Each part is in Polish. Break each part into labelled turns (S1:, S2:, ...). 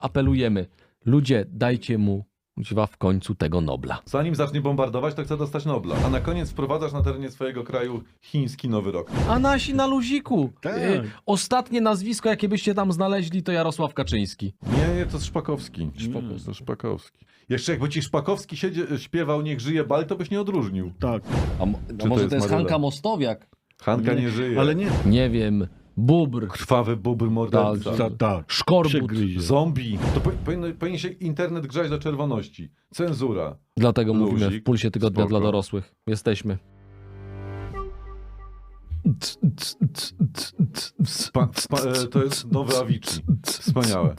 S1: apelujemy. Ludzie, dajcie mu w końcu tego Nobla.
S2: Zanim zacznie bombardować, to chce dostać Nobla. A na koniec wprowadzasz na terenie swojego kraju chiński Nowy Rok.
S1: A nasi na luziku.
S3: Tak.
S1: Ostatnie nazwisko, jakie byście tam znaleźli, to Jarosław Kaczyński.
S2: Nie, to Szpakowski. To Szpakowski. Jeszcze jakby ci Szpakowski śpiewał Niech żyje Bal, to byś nie odróżnił.
S3: Tak,
S1: A może to jest
S2: Maryla?
S1: Hanka Mostowiak?
S2: Hanka nie żyje.
S3: ale nie.
S1: Nie wiem. Bubr.
S2: Krwawy bubr morderca.
S3: Tak.
S1: Szkorbut.
S3: Przegryzie.
S2: Zombie. To powinien się internet grzać do czerwoności. Cenzura.
S1: Dlatego
S2: Luzik.
S1: mówimy w Pulsie Tygodnia
S2: Spoko.
S1: dla dorosłych. Jesteśmy.
S2: To jest nowe Avicii. Wspaniałe.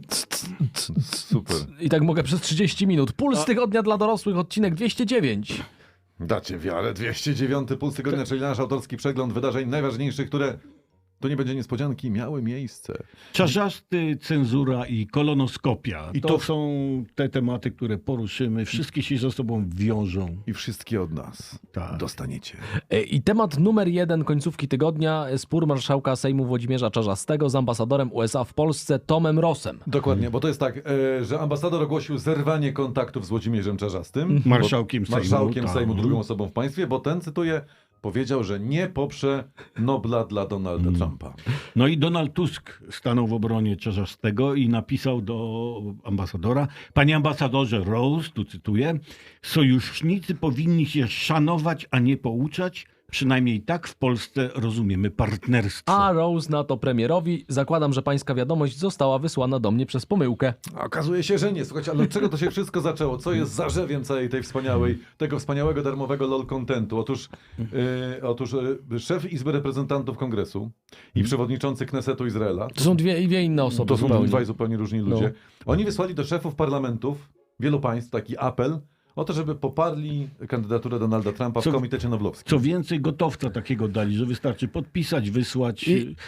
S2: Super.
S1: I tak mogę przez 30 minut. Puls Tygodnia dla dorosłych, odcinek 209.
S2: Dacie wiarę. 209 Puls Tygodnia, czyli nasz autorski przegląd wydarzeń najważniejszych, które, to nie będzie niespodzianki, miały miejsce.
S3: Czarzasty, cenzura i kolonoskopia.
S2: I
S3: To
S2: to-
S3: są te tematy, które poruszymy. Wszystkie się ze sobą wiążą.
S2: I wszystkie od nas
S3: Tak.
S2: dostaniecie.
S1: I temat numer 1 końcówki tygodnia. Spór marszałka Sejmu Włodzimierza Czarzastego z ambasadorem USA w Polsce Tomem Rossem.
S2: Dokładnie, bo to jest tak, że ambasador ogłosił zerwanie kontaktów z Włodzimierzem Czarzastym.
S3: Marszałkiem Sejmu,
S2: Marszałkiem
S3: tak.
S2: Sejmu, drugą osobą w państwie, bo ten, cytuję, powiedział, że nie poprze Nobla dla Donalda Trumpa.
S3: No i Donald Tusk stanął w obronie Czarzastego i napisał do ambasadora: Panie ambasadorze Rose, tu cytuję, sojusznicy powinni się szanować, a nie pouczać. Przynajmniej tak w Polsce rozumiemy partnerstwo.
S1: A Rose na to premierowi: zakładam, że pańska wiadomość została wysłana do mnie przez pomyłkę.
S2: A okazuje się, że nie. Słuchajcie, ale od czego to się wszystko zaczęło? Co jest zarzewiem całej tej tego wspaniałego, darmowego LOL contentu? Otóż szef Izby Reprezentantów Kongresu i przewodniczący Knesetu Izraela,
S1: To są dwie inne osoby
S2: to są
S1: zupełnie.
S2: dwaj zupełnie różni ludzie, oni wysłali do szefów parlamentów wielu państw taki apel o to, żeby poparli kandydaturę Donalda Trumpa w Komitecie Noblowskim.
S3: Co więcej, gotowca takiego dali, że wystarczy podpisać, wysłać.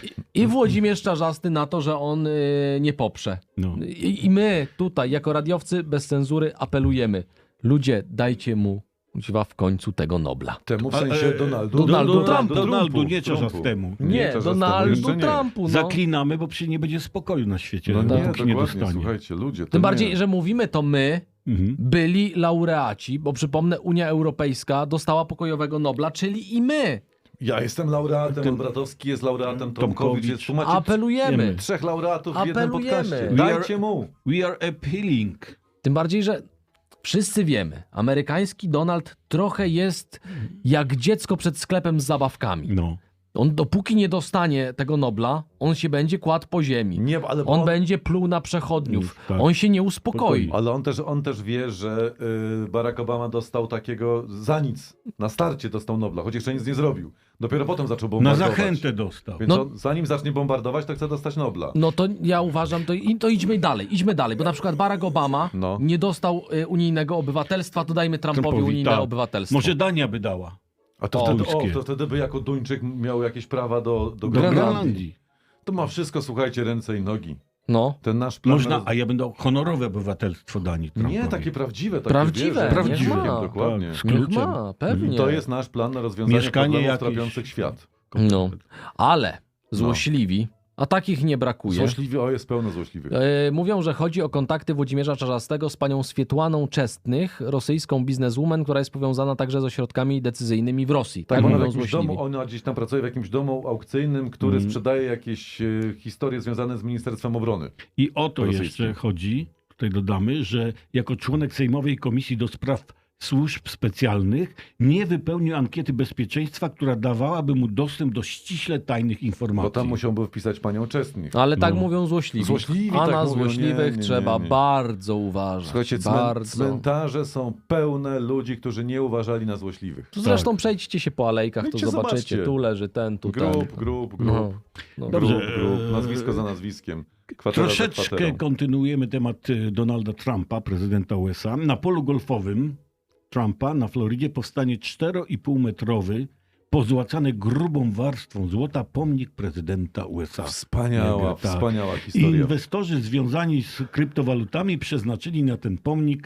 S1: I Włodzimierz Czarzasty na to, że on nie poprze.
S3: No.
S1: I my tutaj, jako radiowcy bez cenzury, apelujemy. Ludzie, dajcie mu w końcu tego Nobla.
S2: Temu w sensie Donaldu
S3: Donaldu, nie
S2: Trumpu.
S3: Czarzastemu.
S1: Nie,
S2: Czarzastemu
S1: Donaldu
S2: jeszcze nie.
S1: Trumpu. No.
S3: Zaklinamy, bo przecież nie będzie spokoju na świecie,
S2: No nie,
S3: dopóki nie
S2: dokładnie,
S3: dostanie.
S2: słuchajcie, ludzie. To
S1: Tym
S2: nie.
S1: bardziej, że mówimy to my,
S3: Mhm.
S1: byli laureaci, bo przypomnę, Unia Europejska dostała pokojowego Nobla, czyli i my.
S2: Ja jestem laureatem, pan Bratowski jest laureatem, Tomkowicz jest. Tu macie
S1: Apelujemy.
S2: 3 laureatów w jednym
S1: Apelujemy.
S2: podcaście.
S1: We
S2: Dajcie mu.
S3: We are appealing.
S1: Tym bardziej, że wszyscy wiemy, amerykański Donald trochę jest jak dziecko przed sklepem z zabawkami.
S3: No.
S1: On dopóki nie dostanie tego Nobla, on się będzie kładł po ziemi.
S2: Nie, ale
S1: On będzie pluł na przechodniów.
S3: Tak.
S1: On się nie uspokoi.
S2: Ale on też wie, że Barack Obama dostał takiego za nic. Na starcie dostał Nobla, choć jeszcze nic nie zrobił. Dopiero potem zaczął
S3: Na
S2: bombardować.
S3: zachętę dostał.
S2: Więc
S1: No-
S2: on, zanim zacznie bombardować, to chce dostać Nobla.
S1: No to ja uważam, to idźmy dalej, bo na przykład Barack Obama
S2: No.
S1: nie dostał unijnego obywatelstwa, to dajmy Trumpowi unijne
S3: tak.
S1: obywatelstwo.
S3: Może Dania by dała.
S2: A to,
S1: O,
S2: wtedy,
S3: ludzkie.
S2: to wtedy by jako Duńczyk miał jakieś prawa do
S3: Do
S2: Grenlandii.
S3: Grenlandii.
S2: To ma wszystko, słuchajcie, ręce i nogi.
S1: No.
S2: Ten nasz plan...
S3: Można, a ja bym dał honorowe obywatelstwo Danii Trumpowi.
S2: Nie, takie prawdziwe. Takie
S1: Prawdziwe,
S2: wieże,
S1: niech
S2: prawdziwe,
S1: ma.
S2: dokładnie.
S3: Tak.
S1: Niech
S3: kluczem.
S1: ma, pewnie.
S2: To jest nasz plan na rozwiązanie
S3: Mieszkanie
S2: problemów
S3: jakieś.
S2: trapiących świat.
S1: No, ale złośliwi, a takich nie brakuje.
S2: Złośliwy, jest pełno złośliwych.
S1: Mówią, że chodzi o kontakty Włodzimierza Czarzastego z panią Swietłaną Czestnych, rosyjską bizneswoman, która jest powiązana także z ośrodkami decyzyjnymi w Rosji. Tak
S2: ona,
S1: mówią
S2: w jakimś
S1: złośliwi.
S2: domu, ona gdzieś tam pracuje w jakimś domu aukcyjnym, który sprzedaje jakieś historie związane z Ministerstwem Obrony.
S3: I o to
S2: Rosyjskim.
S3: jeszcze chodzi, tutaj dodamy, że jako członek Sejmowej Komisji do Spraw Służb Specjalnych nie wypełnił ankiety bezpieczeństwa, która dawałaby mu dostęp do ściśle tajnych informacji.
S2: Bo tam musiałby wpisać panią Czestnych.
S1: Ale tak
S3: No.
S1: mówią złośliwi.
S2: Złośliwi
S1: a
S2: tak
S1: na
S2: mówią.
S1: złośliwych
S2: Nie.
S1: trzeba bardzo uważać.
S2: Słuchajcie,
S1: bardzo.
S2: cmentarze są pełne ludzi, którzy nie uważali na złośliwych.
S1: Tu zresztą przejdźcie się po alejkach, to
S2: Idźcie,
S1: zobaczycie.
S2: zobaczcie.
S1: Tu leży ten, tu ten.
S2: Grup.
S1: No.
S3: Dobrze,
S2: Grup, nazwisko za nazwiskiem. Kwatera za
S3: Troszeczkę
S2: kwaterą.
S3: kontynuujemy temat Donalda Trumpa, prezydenta USA. Na polu golfowym Trumpa na Florydzie powstanie 4,5-metrowy, pozłacany grubą warstwą złota pomnik prezydenta USA.
S2: Wspaniała,
S3: Tak.
S2: wspaniała historia.
S3: Inwestorzy związani z kryptowalutami przeznaczyli na ten pomnik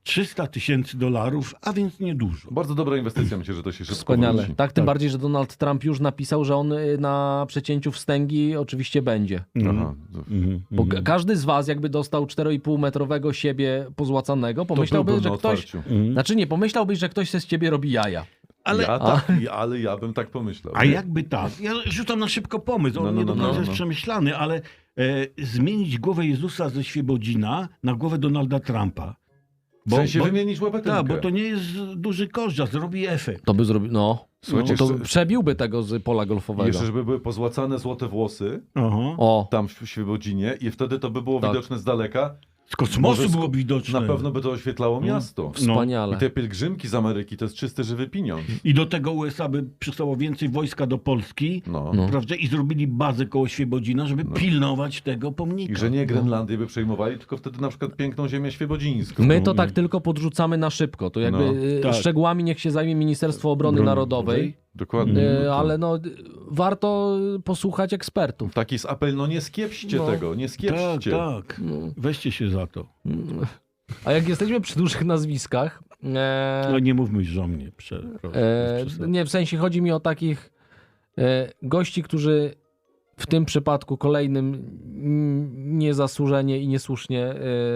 S3: $300 000, a więc niedużo.
S2: Bardzo dobra inwestycja, myślę, że to się szybko
S1: Wspaniale.
S2: wróci.
S1: Tak, tym bardziej, że Donald Trump już napisał, że on na przecięciu wstęgi oczywiście będzie.
S2: Aha.
S1: Bo każdy z was jakby dostał 4,5-metrowego siebie pozłacanego,
S2: To
S1: pomyślałby,
S2: byłbym
S1: że
S2: na
S1: ktoś...
S2: otwarciu.
S1: Znaczy nie, pomyślałbyś, że ktoś se z ciebie robi jaja.
S3: Ale,
S2: Ja bym tak pomyślał.
S3: a jakby tak? Ja rzucam na szybko pomysł, on nie do końca jest przemyślany, ale zmienić głowę Jezusa ze Świebodzina na głowę Donalda Trumpa.
S2: W sensie wymienić łapetynkę.
S3: Tak, bo to nie jest duży koszt, a zrobi efekt.
S1: To by zrobił,
S2: Słuchajcie,
S1: to
S2: jeszcze-
S1: przebiłby tego z pola golfowego.
S2: Jeszcze, żeby były pozłacane złote włosy
S3: Aha.
S1: O,
S2: tam w Świebodzinie i wtedy to by było
S1: Tak.
S2: widoczne z daleka.
S3: Z kosmosu
S2: Może
S3: było widoczne.
S2: Na pewno by to oświetlało miasto.
S1: wspaniale.
S2: I te pielgrzymki z Ameryki to jest czysty, żywy pieniądz.
S3: I do tego USA by przysłało więcej wojska do Polski,
S2: No.
S3: prawda? I zrobili bazę koło Świebodzina, żeby pilnować tego pomnika.
S2: I że nie Grenlandię by przejmowali, tylko wtedy na przykład piękną ziemię świebodzińską.
S1: My to tak tylko podrzucamy na szybko. To jakby
S3: tak.
S1: szczegółami niech się zajmie Ministerstwo Obrony Narodowej.
S2: Dokładnie.
S1: Ale warto posłuchać ekspertów.
S2: Taki jest apel, nie skiepście
S1: No.
S2: tego, nie
S3: Tak,
S2: skiepście.
S3: tak. Weźcie się za to.
S1: A jak jesteśmy przy dużych nazwiskach,
S3: No nie mówmy już o mnie.
S1: nie, w sensie chodzi mi o takich gości, którzy w tym przypadku kolejnym niezasłużenie i niesłusznie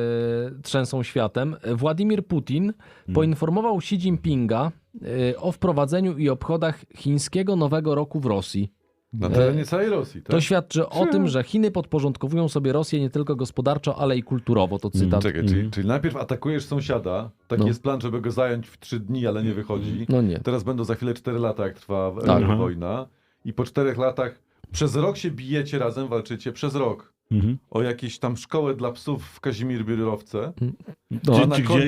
S1: trzęsą światem. Władimir Putin poinformował Xi Jinpinga o wprowadzeniu i obchodach chińskiego Nowego Roku w Rosji.
S2: Na terenie całej Rosji, tak?
S1: To świadczy o tym, że Chiny podporządkowują sobie Rosję nie tylko gospodarczo, ale i kulturowo. To cytat.
S2: Czekaj, czyli najpierw atakujesz sąsiada, taki jest plan, żeby go zająć w 3 dni, ale nie wychodzi.
S1: No nie.
S2: Teraz będą za chwilę 4 lata, jak trwa
S1: Tak.
S2: wojna. I po 4 latach przez rok się bijecie razem, walczycie przez rok. O jakieś tam szkołę dla psów w Kazimierz-Biurowce.
S1: No,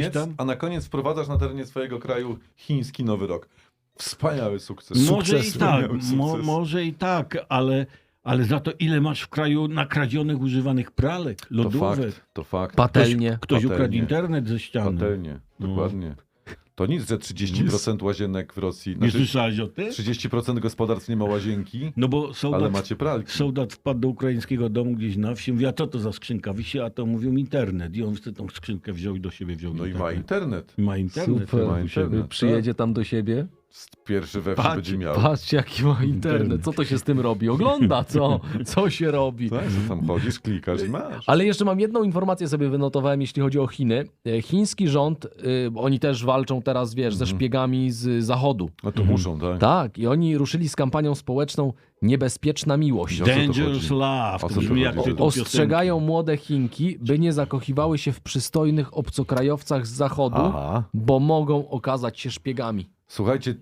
S2: A na koniec wprowadzasz na terenie swojego kraju chiński Nowy Rok. Wspaniały sukces.
S3: Może
S2: Sukces,
S3: i tak,
S2: wspaniały sukces.
S3: może i tak, ale za to ile masz w kraju nakradzionych, używanych pralek, lodówek.
S2: To fakt.
S1: Patelnie.
S3: Ktoś ukradł
S2: Patelnie.
S3: internet ze ściany.
S2: Patelnie, dokładnie. To nic, że 30% łazienek w Rosji.
S3: Nie słyszałeś o tym?
S2: 30% gospodarstw nie ma łazienki,
S3: No bo
S2: ale macie pralki.
S3: soldat wpadł do ukraińskiego domu gdzieś na wsi, mówi, a co to za skrzynka wisi, a to mówią internet. I on wtedy tą skrzynkę wziął i do siebie wziął
S2: No i
S3: internet.
S2: ma internet.
S3: Ma internet.
S1: Super.
S3: ma
S2: internet.
S1: Przyjedzie tam do siebie.
S2: Pierwszy we wsi
S3: Patrz,
S2: będzie miał.
S1: Patrzcie, jaki ma internet. Co to się z tym robi? Ogląda, co? Co się robi?
S2: Tak, że tam chodzisz, klikasz i masz.
S1: Ale jeszcze mam jedną informację sobie wynotowałem, jeśli chodzi o Chiny. Chiński rząd, oni też walczą teraz, wiesz, ze szpiegami z Zachodu.
S2: No to muszą, tak?
S1: Tak, i oni ruszyli z kampanią społeczną Niebezpieczna Miłość.
S2: O co to
S3: Dangerous
S2: chodzi?
S3: Love.
S2: O
S3: To
S2: co to
S3: brzmi jak
S2: chodzi?
S3: tytuł
S1: Ostrzegają młode Chinki, by nie zakochiwały się w przystojnych obcokrajowcach z Zachodu,
S2: Aha.
S1: bo mogą okazać się szpiegami.
S2: Słuchajcie,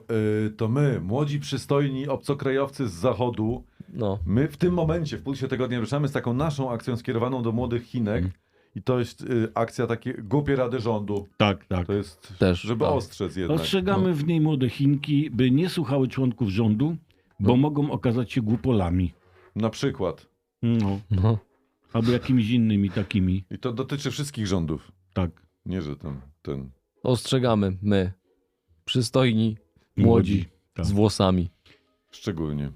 S2: to my, młodzi, przystojni obcokrajowcy z Zachodu,
S1: No.
S2: my w tym momencie, w Pulsie Tygodnia, ruszamy z taką naszą akcją skierowaną do młodych Chinek. I to jest akcja takie głupie rady rządu.
S3: Tak, tak.
S2: To jest,
S1: Też,
S2: żeby
S1: tak.
S2: ostrzec jednak.
S3: Ostrzegamy w niej młode Chinki, by nie słuchały członków rządu, bo mogą okazać się głupolami.
S2: Na przykład.
S3: No.
S1: No.
S3: Albo jakimiś innymi takimi.
S2: I to dotyczy wszystkich rządów.
S3: Tak.
S2: Nie, że ten.
S1: Ostrzegamy my, przystojni, młodzi,
S3: Tak.
S1: z włosami.
S2: Szczególnie.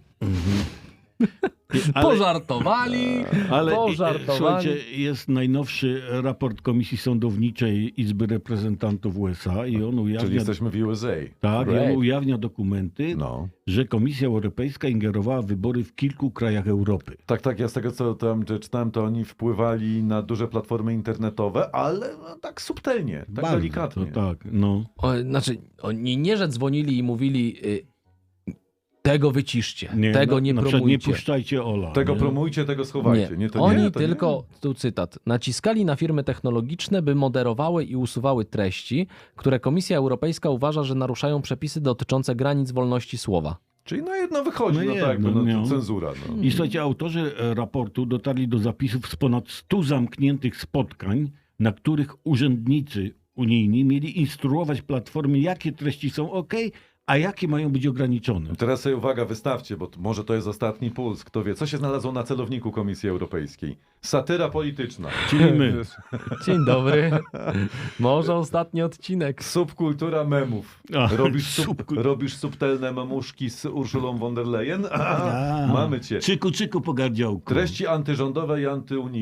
S1: Pożartowali, pożartowali.
S3: Słuchajcie, jest najnowszy raport Komisji Sądowniczej Izby Reprezentantów USA i on
S2: Czyli
S3: ujawnia,
S2: jesteśmy w USA.
S3: tak, i
S1: Great.
S3: on ujawnia dokumenty,
S2: No.
S3: że Komisja Europejska ingerowała w wybory w kilku krajach Europy.
S2: Tak, ja z tego co tam czytałem, to oni wpływali na duże platformy internetowe, ale tak subtelnie, tak
S3: Bardzo,
S2: delikatnie.
S3: To tak, no.
S1: Znaczy, oni nie, że dzwonili i mówili tego wyciszcie, tego nie
S3: na przykład
S1: promujcie.
S3: nie puszczajcie Ola.
S2: Tego
S3: nie?
S2: promujcie, tego schowajcie. Nie, to
S1: Oni
S2: nie, to
S1: tylko, tu cytat, naciskali na firmy technologiczne, by moderowały i usuwały treści, które Komisja Europejska uważa, że naruszają przepisy dotyczące granic wolności słowa.
S2: Czyli na jedno wychodzi,
S3: No
S2: no tak,
S3: jedno, no.
S2: cenzura. No.
S3: I słuchajcie, autorzy raportu dotarli do zapisów z ponad 100 zamkniętych spotkań, na których urzędnicy unijni mieli instruować platformy, jakie treści są OK, a jakie mają być ograniczone.
S2: Teraz sobie uwaga, wystawcie, bo może to jest ostatni puls. Kto wie, co się znalazło na celowniku Komisji Europejskiej? Satyra polityczna.
S3: Czyli my.
S1: Dzień dobry. Może ostatni odcinek.
S2: Subkultura memów.
S3: A,
S2: Robisz subtelne memuszki z Urszulą von der Leyen?
S3: A,
S2: Mamy cię.
S3: Czyku, czyku po gardziołku.
S2: Treści antyrządowe i antyunijne.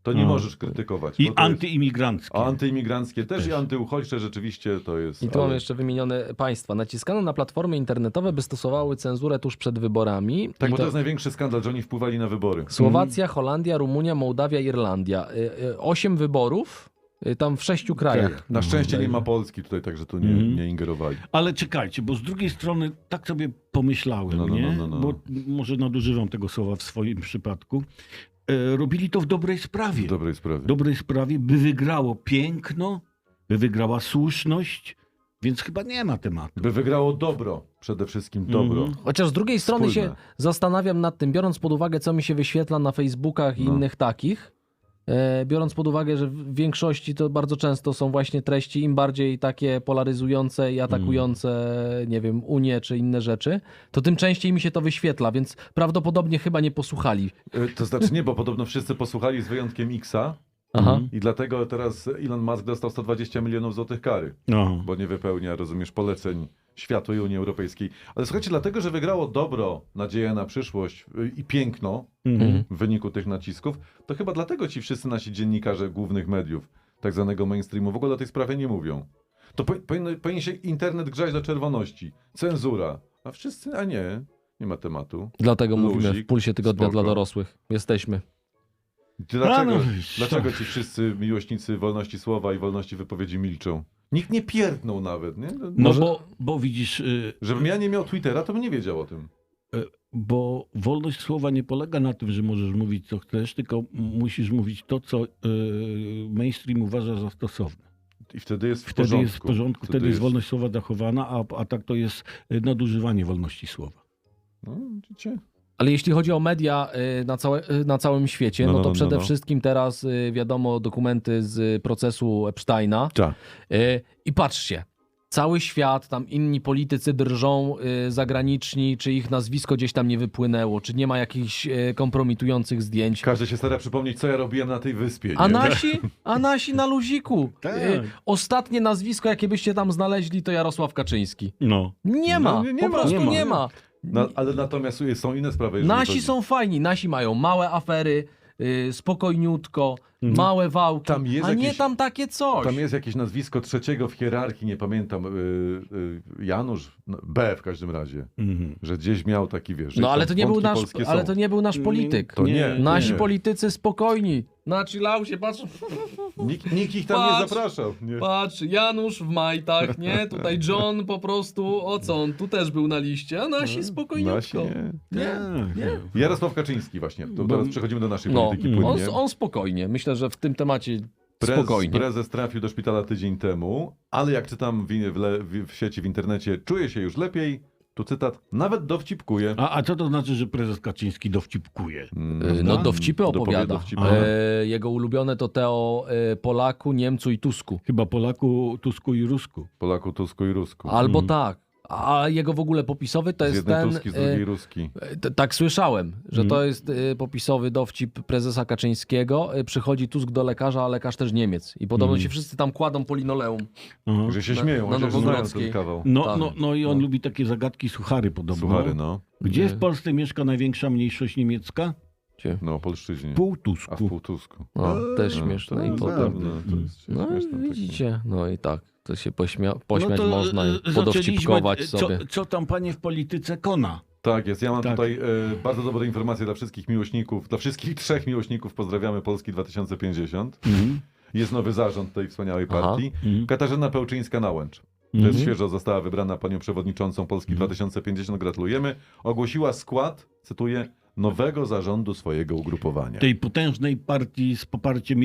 S2: to nie możesz krytykować.
S3: I
S2: bo to jest-
S3: antyimigranckie.
S2: A antyimigranckie też i antyuchodźcze rzeczywiście to jest...
S1: I tu mam
S2: ale-
S1: jeszcze wymienione państwa. Naciskano na platformy internetowe, by stosowały cenzurę tuż przed wyborami.
S2: Tak,
S1: I
S2: bo to jest największy skandal, że oni wpływali na wybory.
S1: Słowacja, Holandia, Rumunia, Mołdawia, Irlandia. 8 wyborów, tam w 6 krajach.
S2: Na szczęście nie ma Polski tutaj, także tu nie ingerowali.
S3: Ale czekajcie, bo z drugiej strony tak sobie pomyślałem,
S2: No.
S3: nie? Bo może nadużywam tego słowa w swoim przypadku. Robili to w dobrej sprawie.
S2: W dobrej sprawie.
S3: W dobrej sprawie, by wygrało piękno, by wygrała słuszność, więc chyba nie ma tematu.
S2: By wygrało dobro, przede wszystkim dobro.
S1: Chociaż z drugiej strony
S2: Wspólne.
S1: się zastanawiam nad tym, biorąc pod uwagę, co mi się wyświetla na Facebookach i
S2: No.
S1: innych takich, biorąc pod uwagę, że w większości to bardzo często są właśnie treści im bardziej takie polaryzujące i atakujące, nie wiem, Unię czy inne rzeczy, to tym częściej mi się to wyświetla, więc prawdopodobnie chyba nie posłuchali.
S2: To znaczy nie, bo podobno wszyscy posłuchali z wyjątkiem Xa
S1: Aha.
S2: i dlatego teraz Elon Musk dostał 120 milionów złotych kary,
S3: No.
S2: bo nie wypełnia, rozumiesz, poleceń światu i Unii Europejskiej. Ale słuchajcie, dlatego, że wygrało dobro, nadzieja na przyszłość i piękno w wyniku tych nacisków, to chyba dlatego ci wszyscy nasi dziennikarze głównych mediów, tak zwanego mainstreamu, w ogóle o tej sprawie nie mówią. To powinien się internet grzać do czerwoności. Cenzura. A wszyscy, a nie ma tematu.
S1: Dlatego mówimy
S2: Luzik,
S1: w Pulsie Tygodnia
S2: spoko.
S1: dla dorosłych. Jesteśmy.
S2: Dlaczego ci wszyscy miłośnicy wolności słowa i wolności wypowiedzi milczą? Nikt nie pierdnął nawet, nie?
S3: No
S1: Może-
S3: bo widzisz,
S2: Żebym ja nie miał Twittera, to bym nie wiedział o tym.
S3: bo wolność słowa nie polega na tym, że możesz mówić co chcesz, tylko musisz mówić to, co mainstream uważa za stosowne.
S2: I wtedy jest w
S3: Wtedy
S2: porządku.
S3: jest w porządku, wtedy jest wolność słowa zachowana, a tak to jest nadużywanie wolności słowa.
S2: No, widzicie?
S1: Ale jeśli chodzi o media na całym świecie, no to przede
S2: no.
S1: wszystkim teraz wiadomo dokumenty z procesu Epsteina.
S2: Tak.
S1: I patrzcie, cały świat, tam inni politycy drżą zagraniczni, czy ich nazwisko gdzieś tam nie wypłynęło, czy nie ma jakichś kompromitujących zdjęć.
S2: Każdy się stara przypomnieć, co ja robiłem na tej wyspie. Nie?
S1: A nasi na luziku.
S3: Tak.
S1: Ostatnie nazwisko, jakie byście tam znaleźli, to Jarosław Kaczyński.
S3: No.
S1: Nie ma,
S2: nie
S1: po
S2: ma,
S1: prostu
S3: nie ma.
S1: nie ma.
S2: Ale natomiast są inne sprawy. jeżeli
S1: Nasi
S2: chodzi-
S1: są fajni, nasi mają małe afery, spokojniutko, małe wałki,
S2: Tam jest
S1: a nie
S2: jakiś-
S1: tam takie coś.
S2: Tam jest jakieś nazwisko trzeciego w hierarchii, nie pamiętam, Janusz, no, B w każdym razie,
S3: Mhm.
S2: że gdzieś miał taki, wiesz, że
S1: No ale
S2: tam
S1: to nie był
S2: wątki
S1: nasz,
S2: polskie
S1: ale
S2: są.
S1: to nie był nasz polityk.
S2: To nie.
S1: Nasi
S2: nie.
S1: politycy spokojni. Na chillausie, patrz,
S2: Nikt ich tam nie
S1: Patrz.
S2: zapraszał. Nie.
S1: patrz, Janusz w majtach, nie? Tutaj John po prostu, o co on, tu też był na liście, a nasi
S2: Nasi
S1: spokojniutko.
S2: nie.
S3: Nie.
S2: Jarosław Kaczyński właśnie, to teraz przechodzimy do naszej
S1: No,
S2: polityki
S1: on,
S2: płynnie.
S1: on spokojnie, myślę, że w tym temacie spokojnie.
S2: Prezes trafił do szpitala tydzień temu, ale jak czytam w sieci, w internecie, czuje się już lepiej. Tu cytat, nawet dowcipkuje.
S3: A co to znaczy, że prezes Kaczyński dowcipkuje?
S1: No dowcipy opowiada.
S2: dowcipy.
S1: Jego ulubione to te o Polaku, Niemcu i Tusku.
S3: Chyba Polaku, Tusku i Rusku.
S2: Polaku, Tusku i Rusku.
S1: Albo tak. A jego w ogóle popisowy to
S2: z
S1: jest
S2: jednej
S1: ten...
S2: Tuski, z drugiej Ruski.
S1: Tak słyszałem, że to jest popisowy dowcip prezesa Kaczyńskiego. Przychodzi Tusk do lekarza, a lekarz też Niemiec. I podobno się wszyscy tam kładą po linoleum.
S3: Aha.
S2: Że się
S1: na
S2: śmieją, chociaż znają
S1: Nowogrodzkiej.
S2: ten kawał.
S3: No,
S1: Tak.
S3: no i on lubi takie zagadki suchary podobno.
S2: Suchary, no.
S3: Gdzie w Polsce mieszka największa mniejszość niemiecka?
S2: No, polszczyźnie.
S3: Pół
S2: A w
S3: Tusku.
S2: Półtusku.
S1: No, też
S2: No,
S1: śmieszne.
S2: to
S1: I
S2: jest
S1: potem...
S2: zabawne, to jest
S1: No
S2: śmieszne takie.
S1: widzicie, no i tak. To się pośmiać
S3: to,
S1: można i
S3: zaczęliśmy,
S1: podowcipkować sobie.
S3: Co tam panie w polityce kona?
S2: Tak jest, ja mam
S3: Tak.
S2: tutaj bardzo dobre informacje dla wszystkich miłośników, dla wszystkich trzech miłośników, pozdrawiamy Polski 2050. Jest nowy zarząd tej wspaniałej partii. Katarzyna Pełczyńska-Nałęcz. To jest świeżo została wybrana panią przewodniczącą Polski 2050, gratulujemy. Ogłosiła skład, cytuję, nowego zarządu swojego ugrupowania.
S3: Tej potężnej partii z poparciem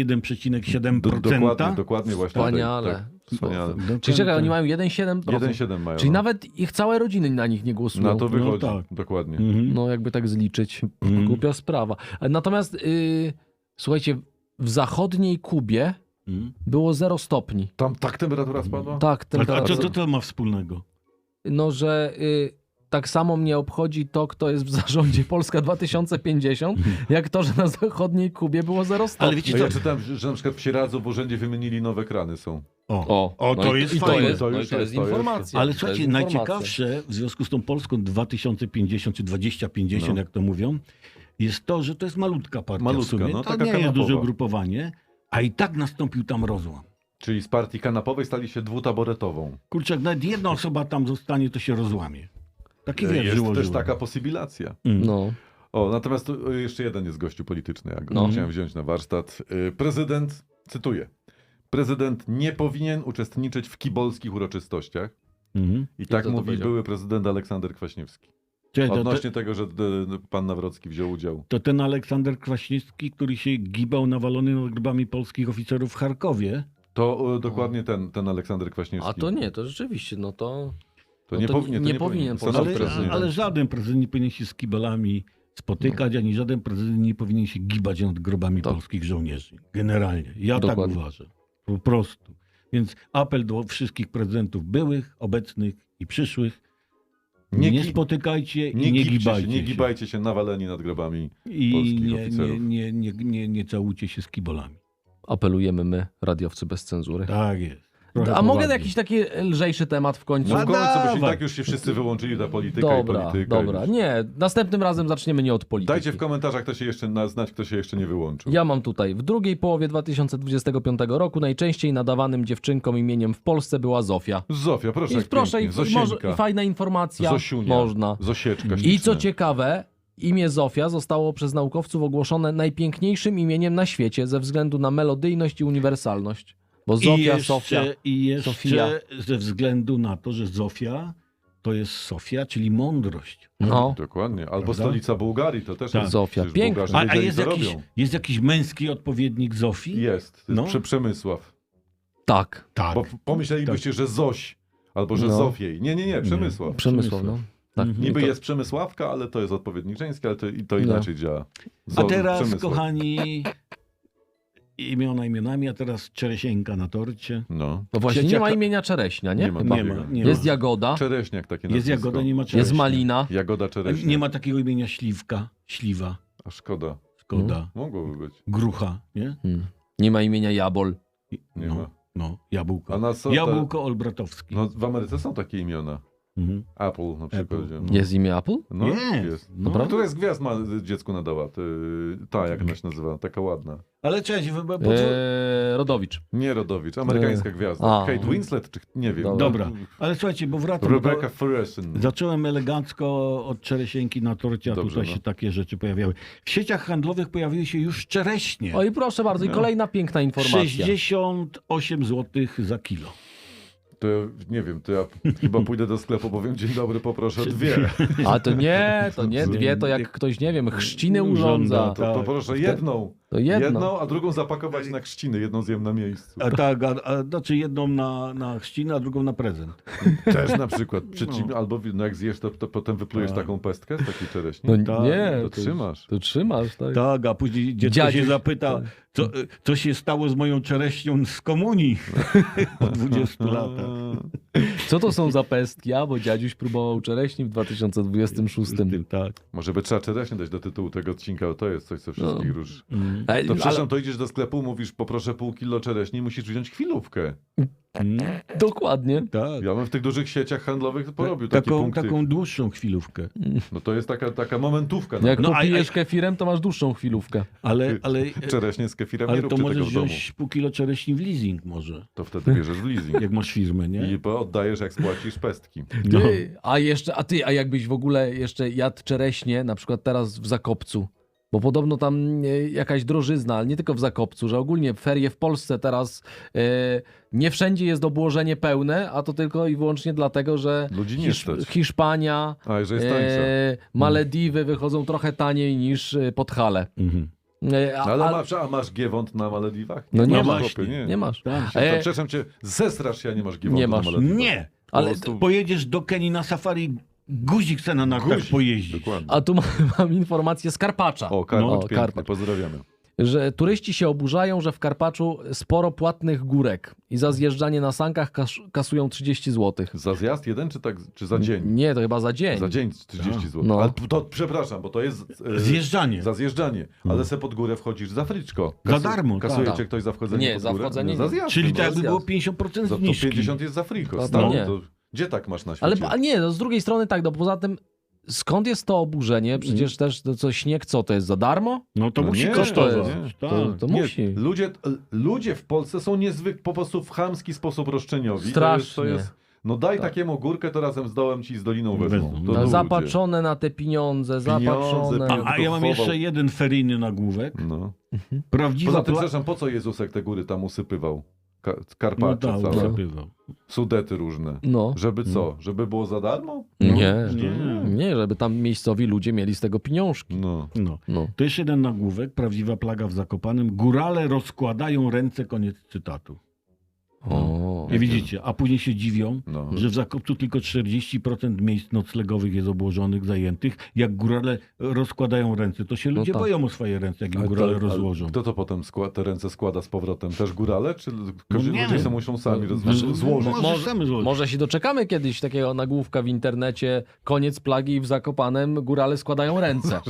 S3: 1,7%.
S2: Dokładnie właśnie.
S1: Wspaniale.
S2: Tak, wspaniale.
S1: Czyli czekaj, oni mają 1,7%.
S2: 1,7 mają.
S1: Czyli
S2: no.
S1: nawet ich całe rodziny na nich nie głosują.
S2: Na to wychodzi,
S3: tak.
S2: dokładnie.
S1: No jakby tak zliczyć. Głupia sprawa. Natomiast słuchajcie, w zachodniej Kubie było 0 stopni.
S2: Tam tak temperatura spadła?
S1: Tak,
S3: A
S1: temperatura.
S3: co to ma wspólnego?
S1: No, że tak samo mnie obchodzi to, kto jest w zarządzie Polska 2050, jak to, że na zachodniej Kubie było 0 stopni.
S3: Ale wiecie
S2: No
S3: co?
S2: ja czytałem, że na przykład w Sieradzu w urzędzie wymienili nowe krany są.
S3: O, to jest
S1: i to
S3: fajne.
S1: jest,
S2: To
S1: no i
S2: już
S1: to jest
S2: jest, to
S1: informacja.
S3: Ale
S1: To
S3: słuchajcie,
S1: jest informacja.
S3: najciekawsze w związku z tą Polską 2050 czy 2050,
S2: No.
S3: jak to mówią, jest to, że to jest malutka partia
S2: Malutka,
S3: w sumie.
S2: no,
S3: To
S2: taka
S3: nie jest
S2: kanapowa.
S3: duże ugrupowanie, a i tak nastąpił tam rozłam.
S2: Czyli z partii kanapowej stali się dwutaboretową.
S3: Kurczę, jak nawet jedna osoba tam zostanie, to się rozłamie. Taki wiesz,
S2: Jest
S3: żyło,
S2: też
S3: żyło.
S2: taka posybilacja.
S1: No.
S2: O, natomiast tu jeszcze jeden jest gościu polityczny, ja go
S1: No.
S2: chciałem wziąć na warsztat. Prezydent, cytuję, prezydent nie powinien uczestniczyć w kibolskich uroczystościach.
S3: Mhm.
S2: I tak
S1: to
S2: mówi
S1: powiedział?
S2: były prezydent Aleksander Kwaśniewski.
S3: Czekaj,
S2: Odnośnie tego, że pan Nawrocki wziął udział.
S3: to ten Aleksander Kwaśniewski, który się gibał nawalony nad grobami polskich oficerów w Charkowie.
S2: To dokładnie ten Aleksander Kwaśniewski.
S1: A to nie, to rzeczywiście, no to...
S2: To
S1: no
S2: nie
S1: to
S2: powinien.
S1: nie powinien
S2: Stanął
S3: Ale,
S2: prezydent.
S3: ale żaden prezydent nie powinien się z kibolami spotykać, ani żaden prezydent nie powinien się gibać nad grobami
S1: Tak.
S3: polskich żołnierzy. Generalnie. Ja
S1: Dokładnie.
S3: tak uważam. Po prostu. Więc apel do wszystkich prezydentów byłych, obecnych i przyszłych. Nie,
S2: gi-
S3: spotykajcie i
S2: nie
S3: nie
S2: gibcie
S3: gibajcie
S2: się, nie
S3: się.
S2: gibajcie się nawaleni nad grobami.
S3: I
S2: polskich
S3: nie,
S2: oficerów.
S3: nie całujcie się z kibolami.
S1: Apelujemy my, radiowcy bez cenzury.
S3: Tak jest. Trochę
S1: A mogę
S3: poważnie.
S1: jakiś taki lżejszy temat w końcu?
S2: No w
S3: No
S2: końcu, bo się i
S3: dawaj.
S2: tak już się wszyscy wyłączyli ta polityka i
S1: Dobra,
S2: polityka.
S1: dobra. Nie, następnym razem zaczniemy nie od polityki.
S2: Dajcie w komentarzach, kto się jeszcze znać, kto się jeszcze nie wyłączył.
S1: Ja mam tutaj. W drugiej połowie 2025 roku najczęściej nadawanym dziewczynkom imieniem w Polsce była Zofia.
S2: Zofia, proszę,
S1: I
S2: jak
S1: proszę,
S2: pięknie.
S1: i, może,
S2: Zosieńka,
S1: i fajna informacja.
S2: Zosiunia,
S1: Można.
S2: Zosieczka,
S1: I
S2: śliczne.
S1: co ciekawe, imię Zofia zostało przez naukowców ogłoszone najpiękniejszym imieniem na świecie ze względu na melodyjność i uniwersalność. Bo Zofia, Sofia.
S3: I jeszcze
S1: Sofia.
S3: ze względu na to, że Zofia to jest Sofia, czyli mądrość.
S1: No,
S2: Dokładnie. Albo
S3: Prawda?
S2: stolica Bułgarii, to też
S3: Tak.
S2: jest.
S1: Zofia,
S2: przecież
S1: piękna.
S2: Bułgarzy
S3: A
S2: wiedzieli,
S3: jest,
S2: co
S3: jakiś,
S2: robią.
S3: jest jakiś męski odpowiednik Zofii?
S2: Jest.
S3: No.
S2: Przemysław.
S1: tak.
S3: Tak.
S2: Bo pomyślelibyście, że Zoś, albo że
S1: No.
S2: Zofiej. Nie, Przemysław.
S1: Przemysław, no. Tak.
S3: Mhm.
S2: Niby
S1: To-
S2: jest Przemysławka, ale to jest odpowiednik żeński, ale to
S1: No.
S2: inaczej działa.
S3: A teraz,
S2: Przemysław.
S3: kochani, imiona imionami, a teraz Czeresieńka na torcie.
S2: No.
S1: No właśnie, nie
S3: Trzecia-
S1: ma imienia Czereśnia, nie?
S2: Nie ma.
S1: Chyba.
S3: Nie ma. Nie
S1: Jest
S3: ma.
S1: Jagoda,
S2: Czereśniak takie
S3: Jest
S2: nazwisko.
S3: Jagoda, nie ma Czereśnia.
S1: jest Malina.
S2: Jagoda Czereśniak.
S3: Nie ma takiego imienia Śliwka, Śliwa,
S2: A szkoda.
S3: Szkoda,
S2: Mogłoby być.
S3: Grucha, nie?
S1: Nie ma imienia Jabol.
S2: Nie
S3: no,
S2: ma.
S3: No, Jabłko.
S2: A na co te-
S3: Jabłko Olbratowski.
S2: No w Ameryce są takie imiona.
S3: Mhm.
S2: Apple na przykład.
S3: Apple.
S2: No.
S1: Jest imię Apple?
S2: No,
S3: Jest. No.
S2: No, która z gwiazd ma dziecku nadała? Ta, jak ona się nazywa? Taka ładna.
S3: Ale cześć, bo co?
S1: Rodowicz.
S2: Nie Rodowicz, amerykańska gwiazda.
S1: a.
S2: Kate Winslet, czy nie wiem.
S3: Dobra, ale słuchajcie, bo wracam.
S2: Rebecca
S3: do-
S2: Ferguson.
S3: Zacząłem elegancko od czeresieńki na torcie, a
S2: Dobrze,
S3: tutaj
S2: no.
S3: się takie rzeczy pojawiały. W sieciach handlowych pojawiły się już czereśnie.
S1: O i proszę bardzo, i
S2: No.
S1: kolejna piękna informacja.
S3: 68 zł za kilo.
S2: To nie wiem, to ja chyba pójdę do sklepu, powiem dzień dobry, poproszę dwie.
S1: A to nie, dwie to jak ktoś, nie wiem, chrzciny urządza.
S3: Tak.
S2: To poproszę jedną.
S1: To jedno.
S2: A drugą zapakować na chrzciny, jedną zjem na miejscu.
S3: A tak, znaczy jedną na chrzcinę, a drugą na prezent.
S2: Też na przykład.
S3: No.
S2: Albo no jak zjesz, to potem wyplujesz
S3: Tak.
S2: taką pestkę z takiej czereśni.
S1: No
S3: Tak,
S1: nie,
S2: to trzymasz.
S1: To trzymasz, tak.
S3: Tak, a później dziecko
S1: Dziadziuś,
S3: się zapyta, co się stało z moją czereśnią z komunii po 20 latach.
S1: Co to są za pestki? A, bo dziadziuś próbował czereśni w 2026.
S3: Tak.
S2: Może by trzeba czereśnie dać do tytułu tego odcinka, bo to jest coś, co wszystkich ruszy.
S3: Mm.
S1: Ale,
S2: To przepraszam, to idziesz do sklepu, mówisz poproszę pół kilo czereśni, musisz wziąć chwilówkę.
S1: dokładnie.
S3: Tak.
S2: Ja bym w tych dużych sieciach handlowych porobił takie punkty.
S3: Taką dłuższą chwilówkę.
S2: No to jest taka momentówka.
S1: Jak
S3: No,
S1: popijesz kefirem, to masz dłuższą chwilówkę.
S3: Ale
S2: Czereśnie z kefirem nie
S3: ale to
S2: róbcie tego
S3: możesz
S2: w domu.
S3: wziąć pół kilo czereśni w leasing może,
S2: To wtedy bierzesz w leasing.
S3: jak masz firmę, nie?
S2: I oddajesz, jak spłacisz pestki.
S3: No.
S1: A jakbyś w ogóle jeszcze jadł czereśnie, na przykład teraz w Zakopcu, bo podobno tam jakaś drożyzna, ale nie tylko w Zakopcu, że ogólnie ferie w Polsce teraz nie wszędzie jest obłożenie pełne, a to tylko i wyłącznie dlatego, że
S2: Ludzi nie stać.
S1: Hiszpania,
S2: A, że jest tańsza.
S1: Malediwy wychodzą trochę taniej niż Podhale.
S3: Mhm.
S2: Ale masz giewont na Malediwach?
S1: No nie
S2: masz.
S1: masz,
S2: Chłopie,
S1: nie masz.
S3: Tak.
S2: To przepraszam cię, zesrasz się, a nie masz giewontu
S1: Nie masz.
S2: na Malediwach.
S3: Nie!
S1: Ale
S2: Po prostu-
S3: Pojedziesz do Kenii na safari, guzik chce na nartach
S2: Guzik,
S3: pojeździć.
S2: Dokładnie.
S1: A tu mam informację z Karpacza.
S2: O, Karpacz,
S1: No,
S2: piękny,
S1: Karpacz.
S2: pozdrawiamy.
S1: Że turyści się oburzają, że w Karpaczu sporo płatnych górek i za zjeżdżanie na sankach kasują 30 zł.
S2: Za zjazd jeden, czy za dzień?
S1: Nie, to chyba za dzień.
S2: Za dzień 30 zł.
S1: No.
S2: Ale to, przepraszam, bo to jest
S3: Zjeżdżanie.
S2: za zjeżdżanie. Ale se pod górę wchodzisz za friczko.
S3: Za darmo,
S2: Kasuje
S1: tak.
S2: cię ktoś za wchodzenie
S1: Nie,
S2: pod
S1: za
S2: górę?
S1: wchodzenie
S2: za
S1: nie.
S2: zjazd.
S3: Czyli
S2: no,
S3: tak jakby
S1: zjazd.
S3: było 50%
S2: za to
S3: zniżki.
S2: 50 jest za friko.
S1: To
S2: Stary,
S1: nie.
S2: to gdzie tak masz na
S1: Ale
S2: świecie?
S1: a nie, no z drugiej strony tak, no poza tym skąd jest to oburzenie? Przecież też to co, śnieg co, to jest za darmo?
S3: No to
S2: No
S3: musi
S2: nie,
S3: kosztować.
S2: nie.
S3: Tak.
S1: To
S2: Nie,
S1: musi.
S2: ludzie w Polsce są niezwykle, po prostu w chamski sposób roszczeniowi.
S1: Strasznie.
S2: No daj
S1: Tak.
S2: takiemu górkę, to razem z dołem ci z doliną wezmą.
S3: Wezmą.
S2: To
S3: No,
S2: ludzie.
S1: Zapatrzone na te pieniądze, zapatrzone.
S2: pieniądze.
S3: A ja mam jeszcze jeden feryjny nagłówek.
S2: No.
S3: Prawdziwa
S2: Poza tym,
S3: pla-
S2: przepraszam, po co Jezusek te góry tam usypywał?
S3: No
S2: Karpacze
S3: tak,
S2: całe.
S3: usypywał.
S2: Sudety różne.
S1: No.
S2: Żeby co? Żeby było za darmo?
S1: Nie.
S3: Nie.
S1: Nie, żeby tam miejscowi ludzie mieli z tego pieniążki.
S2: No.
S3: No.
S1: No.
S3: To jeszcze jeden nagłówek. Prawdziwa plaga w Zakopanem. Górale rozkładają ręce. Koniec cytatu.
S1: O.
S3: I widzicie, a później się dziwią,
S2: No.
S3: że w Zakopcu tylko 40% miejsc noclegowych jest obłożonych, zajętych. Jak górale rozkładają ręce, to się ludzie
S1: tak.
S3: boją o swoje ręce, jak im
S2: Ale
S3: górale
S2: to-
S3: rozłożą.
S2: Kto to potem te ręce składa z powrotem? Też górale? Czy każdy
S3: nie
S2: ludzie
S3: wiem.
S2: se muszą sami
S1: Znaczy,
S2: złożyć?
S3: Może sami złożyć.
S1: Może się doczekamy kiedyś takiego nagłówka w internecie, koniec plagi i w Zakopanem górale składają ręce.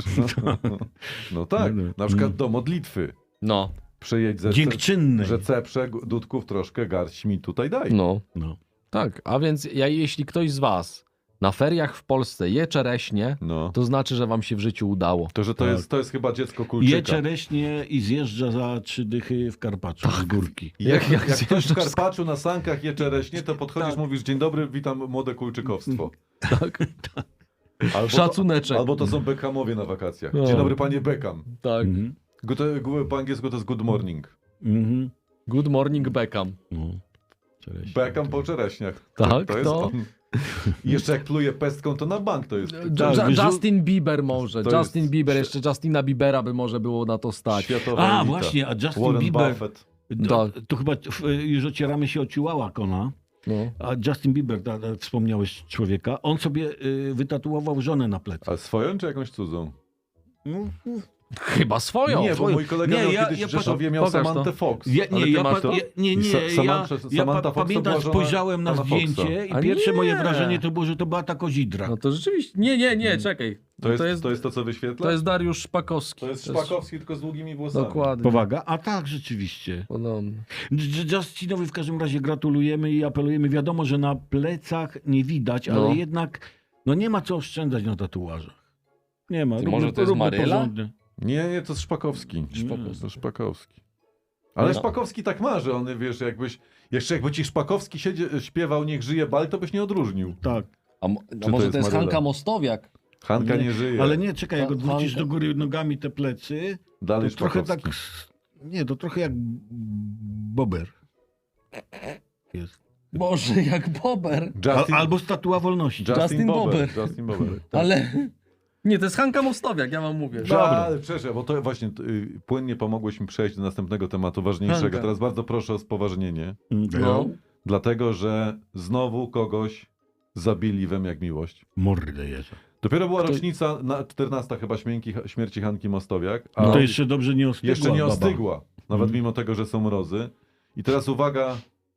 S2: No tak,
S3: No.
S2: na przykład do modlitwy.
S1: No,
S2: Przejedź ze
S3: Dziękczynny.
S2: że ceprze dudków troszkę, garść mi tutaj daj.
S1: no,
S3: No.
S1: tak. A więc jeśli ktoś z was na feriach w Polsce je czereśnie,
S2: No.
S1: to znaczy, że wam się w życiu udało.
S2: To, że
S3: Tak.
S2: to jest chyba dziecko
S3: Je
S2: kulczyka.
S3: czereśnie i zjeżdża za 3 dychy w Karpaczu z górki.
S2: I Jak ktoś w
S1: zjeżdżasz
S2: Karpaczu na sankach je czereśnie, to podchodzisz, mówisz, dzień dobry, witam młode kulczykowstwo.
S1: Tak,
S2: Albo
S1: Szacuneczek.
S2: albo to są Beckhamowie na wakacjach.
S1: No.
S2: Dzień dobry, panie Beckham.
S1: tak.
S3: Mhm.
S2: Po angielsku to jest good morning.
S3: Mhm.
S1: Good morning Beckham.
S3: No. Czereśnie.
S2: Beckham po czereśniach.
S1: Tak,
S2: to jest
S1: to-
S2: on. I jeszcze jak pluje pestką, to na bank to jest.
S1: Justin Bieber może.
S2: to
S1: Justin
S2: jest-
S1: Bieber, jeszcze Justina Biebera by może było na to stać.
S2: Światowa
S3: A,
S2: elita.
S3: właśnie, a Justin
S2: Warren
S3: Bieber.
S2: Buffett.
S3: To chyba już ocieramy się o Chihuahua Kona.
S1: No.
S3: A Justin Bieber, wspomniałeś człowieka, on sobie wytatuował żonę na plecy.
S2: A swoją czy jakąś cudzą?
S3: No,
S1: Chyba swoją.
S2: Nie, bo mój kolega
S3: Nie,
S2: miał
S3: ja-
S2: kiedyś
S3: ja
S2: w Rzeszowie miał
S1: pokaż to.
S2: Samantę Fox.
S3: Ja,
S1: Ale
S3: nie,
S1: ty
S3: ja,
S1: masz
S3: pa,
S1: to?
S3: ja, nie,
S2: I
S3: nie,
S2: Samantha Fox to
S3: pamiętam,
S2: była żona
S3: spojrzałem na
S2: pana Foxa.
S3: zdjęcie i
S1: A
S3: pierwsze
S1: nie.
S3: moje wrażenie to było, że to była ta kozidra.
S1: No to rzeczywiście. Nie, czekaj.
S2: To jest to, co wyświetla?
S1: To jest Dariusz Szpakowski.
S2: To jest Szpakowski, tylko z długimi włosami.
S1: Dokładnie.
S3: Powaga? A tak, rzeczywiście.
S1: Podobnie.
S3: Justinowi w każdym razie gratulujemy i apelujemy. Wiadomo, że na plecach nie widać,
S1: No.
S3: ale jednak no nie ma co oszczędzać na tatuażach. Nie ma.
S1: Ty może to jest
S3: róbmy
S1: Maryla?
S3: porządnie.
S2: Nie, to jest Szpakowski. To Szpakowski. Ale
S1: No.
S2: Szpakowski tak ma, że on, wiesz, jakby ci Szpakowski śpiewał Niech żyje bal, to byś nie odróżnił.
S3: Tak.
S1: A
S2: to
S1: może
S2: jest
S1: to jest
S2: Maryla?
S1: Hanka Mostowiak?
S2: Hanka nie żyje.
S3: Ale nie, czekaj, jak
S1: Ha-
S3: odwrócisz
S1: Hanka-
S3: do góry nogami te plecy,
S2: Dalej
S3: to trochę
S2: Szpakowski.
S3: tak... Nie, to trochę jak bober. Jest.
S1: Boże, jak Bober.
S3: Albo statua wolności.
S1: Justin Bieber.
S2: Justin Bieber.
S1: Ale... Nie, to jest Hanka Mostowiak, ja wam mówię.
S2: Dobra, ale przepraszam, bo to właśnie płynnie pomogłeś mi przejść do następnego tematu ważniejszego.
S1: Hanka.
S2: Teraz bardzo proszę o spoważnienie,
S1: No.
S2: dlatego że znowu kogoś zabili wem jak miłość.
S3: Mordę jeża.
S2: Dopiero była rocznica, 14 chyba śmierci Hanki Mostowiak, a
S3: No to jeszcze dobrze nie ostygła.
S2: jeszcze nie
S3: baba.
S2: ostygła, nawet mimo tego, że są mrozy. I teraz uwaga,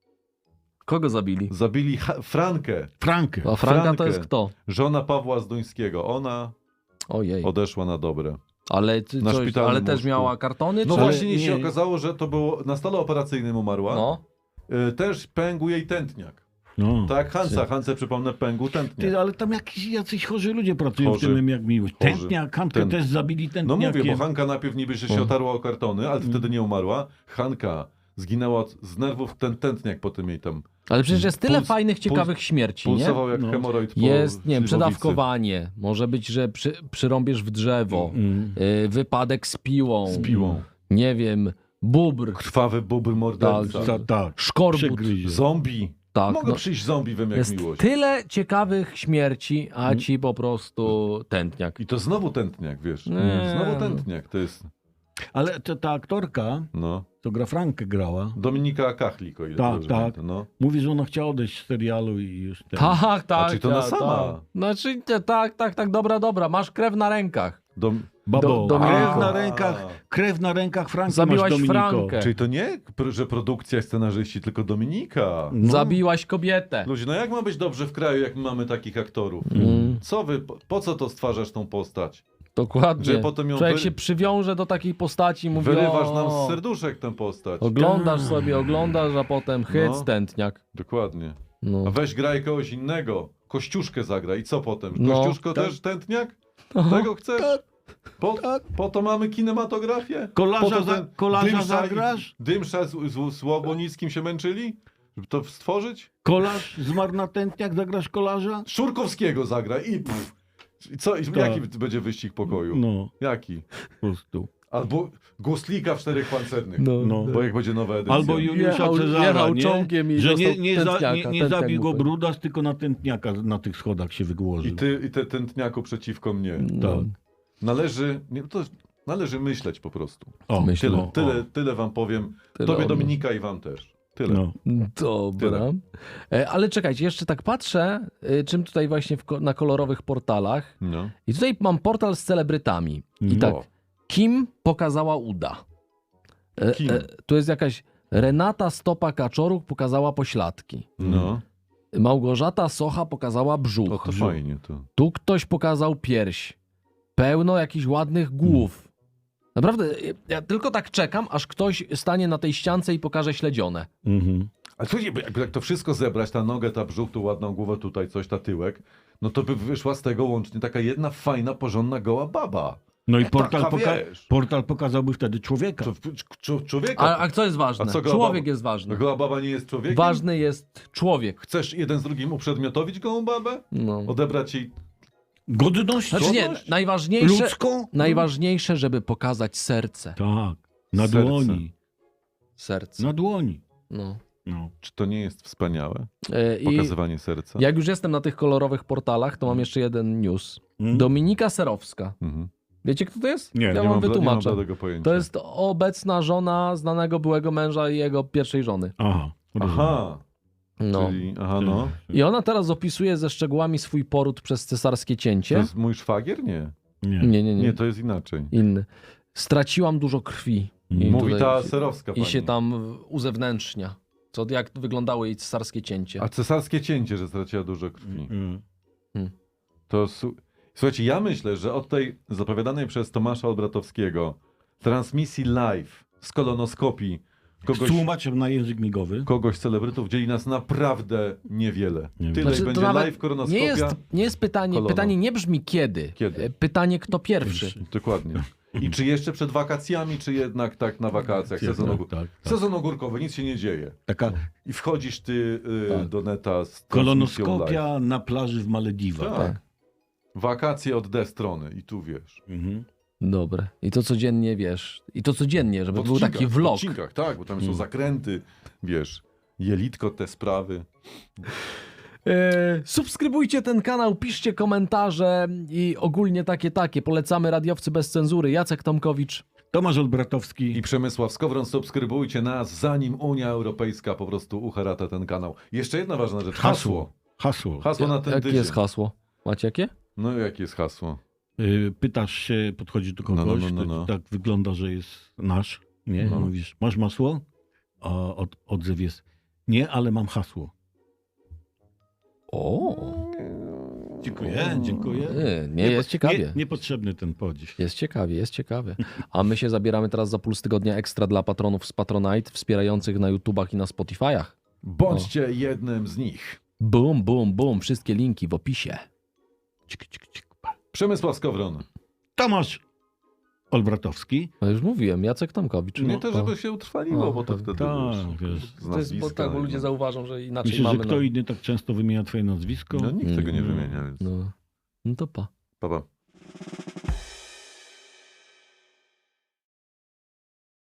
S1: Kogo zabili?
S2: zabili Frankę,
S3: Frankę.
S1: A Franka to
S2: Frankę.
S1: jest kto?
S2: żona Pawła Zduńskiego. Ona
S1: Ojej.
S2: odeszła na dobre.
S1: Ale,
S2: Na szpitalnym
S1: ale też
S2: łóżku.
S1: miała kartony?
S2: No
S1: czy...
S2: właśnie
S3: nie-
S2: się okazało, że to było na stole operacyjnym umarła.
S1: No.
S2: Też pękł jej tętniak.
S3: No.
S2: Tak, Hance, przypomnę, pękł tętniak.
S3: Ty, ale tam jacyś chorzy ludzie pracują
S2: Chorzy.
S3: w tym jak miłość.
S2: Chorzy.
S3: Tętniak, Hankę
S2: Ten-
S3: też zabili
S2: No
S3: tętniakiem.
S2: mówię, bo Hanka najpierw niby że się otarła o kartony, ale wtedy nie umarła. Hanka zginęła z nerwów, ten tętniak po tym jej tam
S1: Ale przecież jest tyle
S2: Puls-
S1: fajnych, ciekawych śmierci, nie?
S2: pulsował jak
S3: No.
S2: hemoroid po
S1: Jest, nie wiem,
S2: śliwowicy.
S1: przedawkowanie, może być, że przyrąbiesz w drzewo, wypadek z piłą,
S2: Z piłą.
S1: nie wiem, bubr,
S2: Krwawy bubr morderca.
S3: Tak.
S1: szkorbut.
S3: Przegryzie.
S2: Zombie.
S1: Tak,
S2: Mogę
S1: no,
S2: przyjść zombie wem jak
S1: jest
S2: miłość.
S1: tyle ciekawych śmierci, a ci po prostu tętniak.
S2: I to znowu tętniak, wiesz.
S1: Nie.
S2: Znowu tętniak, to jest,
S3: Ale ta aktorka,
S2: no.
S3: co gra Frankę grała,
S2: Dominika Kachlik, o ile
S3: Tak,
S2: dobrze
S3: tak.
S2: pamiętam, no.
S3: mówi, że ona chciała odejść z serialu i już ten.
S1: Tak, tak.
S2: czyli to ona
S1: tak,
S2: sama.
S1: tak. Znaczy, tak, dobra, masz krew na rękach.
S3: Babo,
S1: Dominiko.
S3: krew na rękach Franki
S1: Zabiłaś
S3: masz, Dominiko.
S1: Frankę.
S2: Czyli to nie, że produkcja, scenarzyści, tylko Dominika.
S3: No.
S1: Zabiłaś kobietę.
S2: Ludzie, no jak ma być dobrze w kraju, jak my mamy takich aktorów? Co wy, po co to stwarzasz tą postać?
S1: Dokładnie.
S2: Że potem ją
S1: Człowiek
S2: wy-
S1: się przywiąże do takiej postaci i mówi,
S2: Wyrywasz
S1: o,
S2: nam z serduszek tę postać.
S1: oglądasz sobie, a potem hyc,
S2: No.
S1: tętniak.
S2: Dokładnie.
S1: No.
S2: A weź graj kogoś innego. Kościuszkę zagra i co potem?
S1: No,
S2: Kościuszko
S3: tak.
S2: też tętniak?
S1: Aha.
S2: Tego chcesz? Po to mamy kinematografię?
S3: Kolarza,
S2: Po to ten
S3: kolarza
S2: Dymsza
S3: zagrasz?
S2: Dymsza z Łobonickim się męczyli? Żeby to stworzyć?
S3: Kolarz zmarł na tętniak, zagrasz kolarza?
S2: Szurkowskiego zagra i pff. I co?
S3: Tak.
S2: Jaki będzie wyścig pokoju?
S3: No,
S2: Jaki?
S3: po prostu.
S2: Albo Guslika w 4 pancernych.
S3: No.
S2: Bo jak będzie nowa edycja.
S3: Albo Juliusza
S1: Jechał-
S3: Cezara,
S1: jechał
S3: nie?
S1: czołgiem i
S3: Że nie,
S1: dostał tętniaka,
S3: nie
S1: tętniak
S3: zabił
S1: mu
S3: go
S1: powiedział.
S3: Brudas, tylko na tętniaka na tych schodach się wygłożył.
S2: I ty tętniaku przeciwko mnie.
S1: No.
S3: Tak.
S2: Należy myśleć po prostu.
S3: O,
S1: Myślę.
S2: Tyle,
S3: o,
S2: tyle wam powiem.
S1: Tyle
S2: Tobie
S1: od nas.
S2: Dominika i wam też. Tyle.
S3: No.
S1: Dobra.
S2: Tyle.
S1: Ale czekajcie, jeszcze tak patrzę, czym tutaj właśnie na kolorowych portalach.
S2: No.
S1: I tutaj mam portal z celebrytami. I tak,
S2: No.
S1: Kim pokazała uda.
S2: Kim?
S1: Tu jest jakaś Renata Stopa-Kaczoruk pokazała pośladki.
S2: No.
S1: Małgorzata Socha pokazała
S2: O,
S1: brzuch.
S2: to fajnie to.
S1: Tu ktoś pokazał pierś. Pełno jakichś ładnych głów. Naprawdę, ja tylko tak czekam, aż ktoś stanie na tej ściance i pokaże śledzione.
S3: Mhm.
S2: Ale słuchajcie, jak to wszystko zebrać, ta nogę, ta brzuch, tu ładną głowę, tutaj coś, ta tyłek, no to by wyszła z tego łącznie taka jedna fajna, porządna, goła baba.
S3: No i
S2: Taka, wiesz.
S3: portal pokazałby wtedy człowieka.
S2: Człowieka.
S1: A co jest ważne?
S2: A co goła
S1: Człowiek
S2: baba?
S1: jest ważny.
S2: Goła baba nie jest człowiekiem?
S1: Ważny jest człowiek.
S2: Chcesz jeden z drugim uprzedmiotowić gołą babę?
S1: No.
S2: Odebrać jej...
S3: Godność?
S1: Znaczy nie,
S2: Godność?
S1: najważniejsze, żeby pokazać serce.
S3: Tak. Na
S2: Serce.
S3: dłoni.
S1: Serce.
S3: Na dłoni.
S1: No.
S3: No.
S2: Czy to nie jest wspaniałe?
S1: I
S2: Pokazywanie serca?
S1: jak już jestem na tych kolorowych portalach, to mam jeszcze jeden news.
S3: Mm.
S1: Dominika Serowska.
S2: Mhm.
S1: Wiecie, kto to jest?
S3: Nie,
S1: ja
S3: nie
S1: wam
S2: Nie mam
S1: wytłumaczę.
S2: tego pojęcia.
S1: To jest obecna żona znanego byłego męża i jego pierwszej żony.
S3: Aha. rozumiem.
S2: Aha.
S1: No.
S2: Czyli, aha, no.
S1: I ona teraz opisuje ze szczegółami swój poród przez cesarskie
S2: To
S1: cięcie.
S2: jest mój szwagier? Nie.
S1: Nie.
S2: Nie, to jest inaczej.
S1: Inny. Straciłam dużo krwi. I
S2: Mówi
S1: tutaj-
S2: ta serowska
S1: I
S2: pani.
S1: się tam uzewnętrznia. Jak wyglądało jej cesarskie cięcie.
S2: A cesarskie cięcie, że straciła dużo krwi.
S3: Mm.
S2: To słuchajcie, ja myślę, że od tej zapowiadanej przez Tomasza Olbratowskiego transmisji live z kolonoskopii
S3: Z tłumaczem na język migowy.
S2: kogoś z celebrytów dzieli nas naprawdę niewiele.
S3: Nie wiem.
S2: Tyle
S1: Znaczy, to
S2: będzie
S1: nawet
S2: live kolonoskopia.
S1: nie jest pytanie.
S2: Kolono.
S1: Pytanie nie brzmi kiedy.
S2: Kiedy?
S1: Pytanie kto pierwszy.
S2: Dokładnie. I czy jeszcze przed wakacjami, czy jednak tak na wakacjach,
S3: Tak.
S2: sezon ogórkowy, nic się nie dzieje.
S3: Taka
S2: I wchodzisz ty
S1: Tak.
S2: do neta z transmisją live.
S3: kolonoskopia na plaży w Malediwach.
S2: Tak. Wakacje od D strony i tu wiesz.
S3: Mhm.
S1: Dobre. I to codziennie wiesz. I to codziennie, żeby
S2: W
S1: był taki
S2: odcinkach, w
S1: vlog.
S2: odcinkach, tak, bo tam są zakręty, wiesz, jelitko, te sprawy.
S1: Subskrybujcie ten kanał, piszcie komentarze i ogólnie takie. Polecamy Radiowcy bez cenzury. Jacek Tomkowicz.
S3: Tomasz Olbratowski.
S2: I Przemysław Skowron, subskrybujcie nas, zanim Unia Europejska po prostu uharata ten kanał. Jeszcze jedna ważna rzecz. Hasło. Hasło na ten
S1: Jakie
S2: tydzień.
S1: jest hasło? Macie jakie?
S2: No jakie jest hasło?
S3: Pytasz się, podchodzisz do kogoś,
S2: No.
S3: to tak wygląda, że jest nasz. Nie?
S2: No.
S3: Mówisz, masz masło? A odzew jest, nie, ale mam hasło.
S1: O,
S3: Dziękuję.
S1: nie jest ciekawie.
S3: Niepotrzebny ten podziw.
S1: Jest ciekawie. A my się zabieramy teraz za Puls Tygodnia Ekstra dla patronów z Patronite, wspierających na YouTubach i na Spotify'ach.
S2: Bądźcie jednym z nich.
S1: Bum. Wszystkie linki w opisie.
S2: Przemysław Skowron.
S3: Tomasz Olbratowski.
S1: No już mówiłem, Jacek Tomkowicz.
S2: Nie
S1: No,
S2: to, żeby się utrwaliło,
S1: No,
S2: bo to
S1: tak,
S2: wtedy
S3: tak,
S2: wiesz,
S3: wiesz.
S2: z
S1: To jest, bo
S2: nazwiska,
S1: tak, bo ludzie
S2: no.
S1: zauważą, że inaczej
S3: Myślę,
S1: mamy.
S3: że kto inny tak często wymienia twoje nazwisko?
S2: No nikt tego nie wymienia, więc
S1: no to pa.
S2: pa.